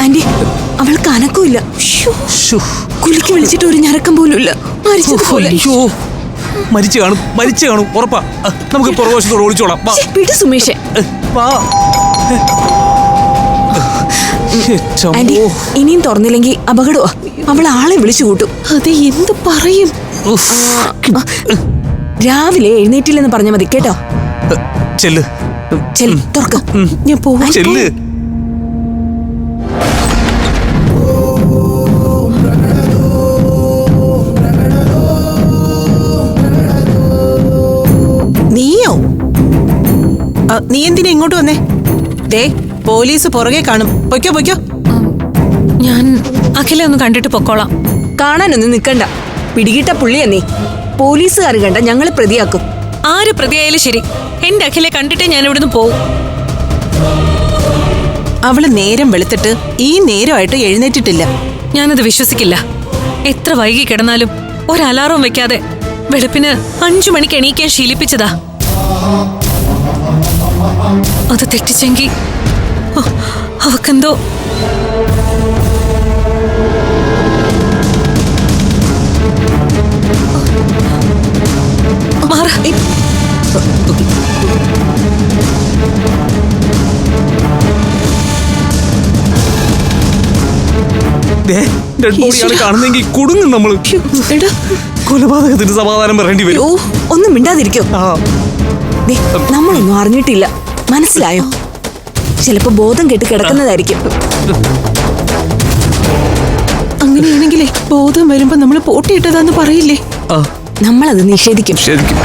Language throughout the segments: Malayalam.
ആന്റി, അവൾക്ക് അനക്കമില്ല. കുലിക്ക് വിളിച്ചിട്ട് ഒരു ഞരക്കം പോലും ഇല്ല. മരിച്ചു കാണും ഉറപ്പാ. നമുക്ക് പുറകുവശത്തോട് ഓടിച്ചോളാം. വിട് സുമേഷേ. ആന്റി, ഇനിയും തുറന്നില്ലെങ്കിൽ അപകടമാ. അവൾ ആളെ വിളിച്ചു കൂട്ടും. അതെ, എന്ത് പറയും? രാവിലെ എഴുന്നേറ്റില്ലെന്ന് പറഞ്ഞ മതി കേട്ടോ. ചെല്ല് തുറക്ക. ഞാൻ പോവാ. ചെല്ല്. നീയോ? നീ എന്തിനാ ഇങ്ങോട്ട് വന്നേ? ദേ, പോലീസ് പുറകെ കാണും. പൊയ്ക്കോ. ഞാൻ അഖിലെ ഒന്ന് കണ്ടിട്ട് പൊക്കോളാം. കാണാനൊന്നും നിക്കണ്ട. പിടികിട്ട പുള്ളിയാ നീ. പോലീസുകാർ കണ്ട ഞങ്ങളെ പ്രതിയാക്കും. ആര് പ്രതിയായാലും ശരി, എന്റെ അഖിലെ കണ്ടിട്ടേ ഞാൻ ഇവിടുന്ന് പോവും. അവള് നേരം വെളുത്തിട്ട് ഈ നേരമായിട്ട് എഴുന്നേറ്റിട്ടില്ല. ഞാനത് വിശ്വസിക്കില്ല. എത്ര വൈകി കിടന്നാലും ഒരു അലാറം വെക്കാതെ വെളുപ്പിന് 5 മണിക്ക് എണീക്കാൻ ശീലിപ്പിച്ചതാ. അത് തെറ്റിച്ചെങ്കിൽ അവക്കെന്തോ മാറ. കാണുന്നെങ്കിൽ കുടുങ്ങും നമ്മള്. കൊലപാതകത്തിന് സമാധാനം പറയേണ്ടി വരും. ഒന്നും മിണ്ടാതിരിക്കോ. നമ്മളൊന്നും അറിഞ്ഞിട്ടില്ല, മനസ്സിലായോ? ചിലപ്പോ ബോധം കെട്ട് കിടക്കുന്നതായിരിക്കും. അങ്ങനെയാണെങ്കിലേ ബോധം വരുമ്പോ നമ്മള് പോട്ടിയിട്ടതാന്ന് പറയില്ലേ? നമ്മളത് നിഷേധിക്കും.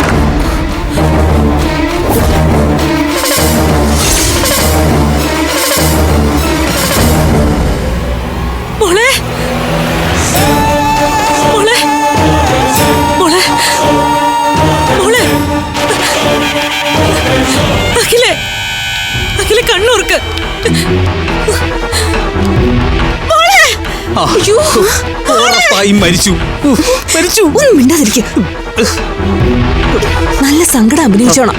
കണ്ണൂർക്ക് മരിച്ചു. ഒന്നും മിണ്ടാതിരിക്കും. നല്ല സങ്കടം അഭിനയിച്ചോണം.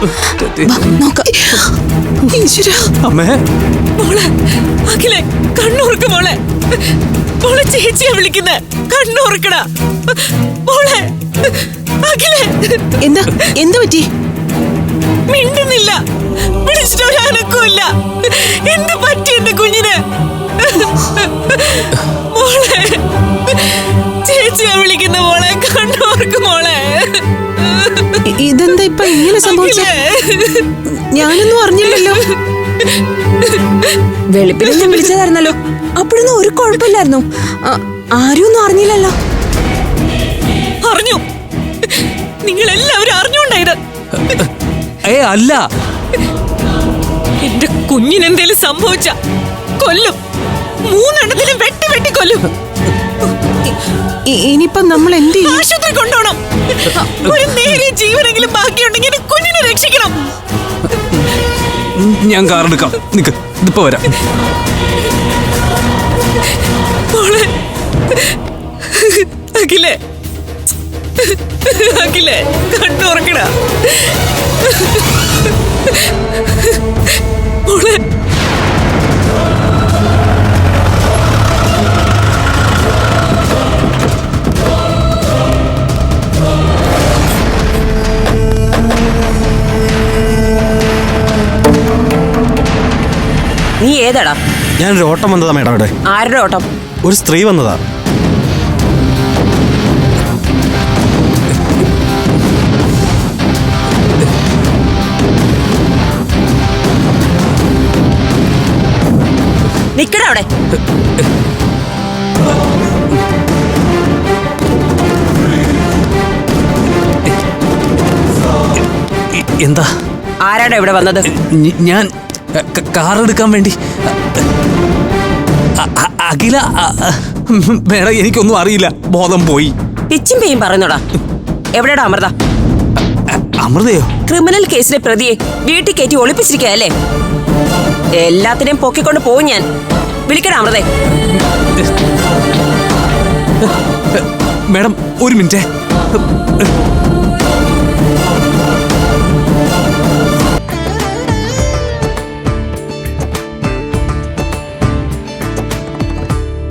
അഖിലെ കണ്ണൂർക്ക് മോളെ. മോളെ ചേച്ചിയാ വിളിക്കുന്നെ. കണ്ണൂർക്കടാ മോളെ. അഖിലെ എന്താ പറ്റി? മിണ്ടുന്നില്ല. വിളിച്ചിട്ട് ഒരു അനക്കമില്ല. എന്ത് പറ്റി എന്റെ കുഞ്ഞിന്? മോളെ ചേച്ചിയാ വിളിക്കുന്ന മോളെ. കണ്ണൂർക്ക് മോളെ. ഇതെന്താ ഇപ്പൊ ഇങ്ങനെ സംഭവിച്ചേ? ഞാനൊന്നും അറിഞ്ഞില്ലല്ലോ. വെളുപ്പിനെ ഞാൻ വിളിച്ചതായിരുന്നല്ലോ. അപ്പോഴൊന്നും ഒരു കുഴപ്പമില്ലായിരുന്നു. ആരും ഒന്നും അറിഞ്ഞില്ലല്ലോ. അറിഞ്ഞു. നിങ്ങളെല്ലാവരും അറിഞ്ഞുണ്ടായത്. അല്ല, എന്റെ കുഞ്ഞിനെന്തേലും സംഭവിച്ച കൊല്ലും. 3 എണ്ണത്തിലും വെട്ടി കൊല്ലും. ഇനിയിപ്പം നമ്മൾ എന്ത് ചെയ്യും? ആശുപത്രി കൊണ്ടുപോകണം. ഒരു നേരിയ ജീവനെങ്കിലും ബാക്കിയുണ്ടെങ്കിൽ കുഞ്ഞിനെ രക്ഷിക്കണം. ഞാൻ കാറെടുക്കാം. നിക്ക്, ഇതിപ്പോ വരാം. അഖിലേ, കണ്ണുറക്കടാ മോളെ. നീ ഏതാടാ? ഞാനൊരു ഓട്ടം വന്നതാ മേഡം. ഇവിടെ ആരുടെ ഓട്ടം? ഒരു സ്ത്രീ വന്നതാ. നിക്കടാ അവിടെ. എന്താ? ആരാടാ ഇവിടെ വന്നത്? ഞാൻ കാറെടുക്കാൻ വേണ്ടി. അഖില മേഡം, എനിക്കൊന്നും അറിയില്ല. ബോധം പോയി. പിച്ചും പേയും പറയുന്നോടാ. എവിടെടാ അമൃത? അമൃതയോ? ക്രിമിനൽ കേസിലെ പ്രതിയെ വീട്ടിൽ കയറ്റി ഒളിപ്പിച്ചിരിക്കല്ലേ? എല്ലാത്തിനെയും പൊക്കിക്കൊണ്ട് പോവും ഞാൻ. വിളിക്കടാ അമൃതേ. മേഡം, ഒരു മിനിറ്റ്.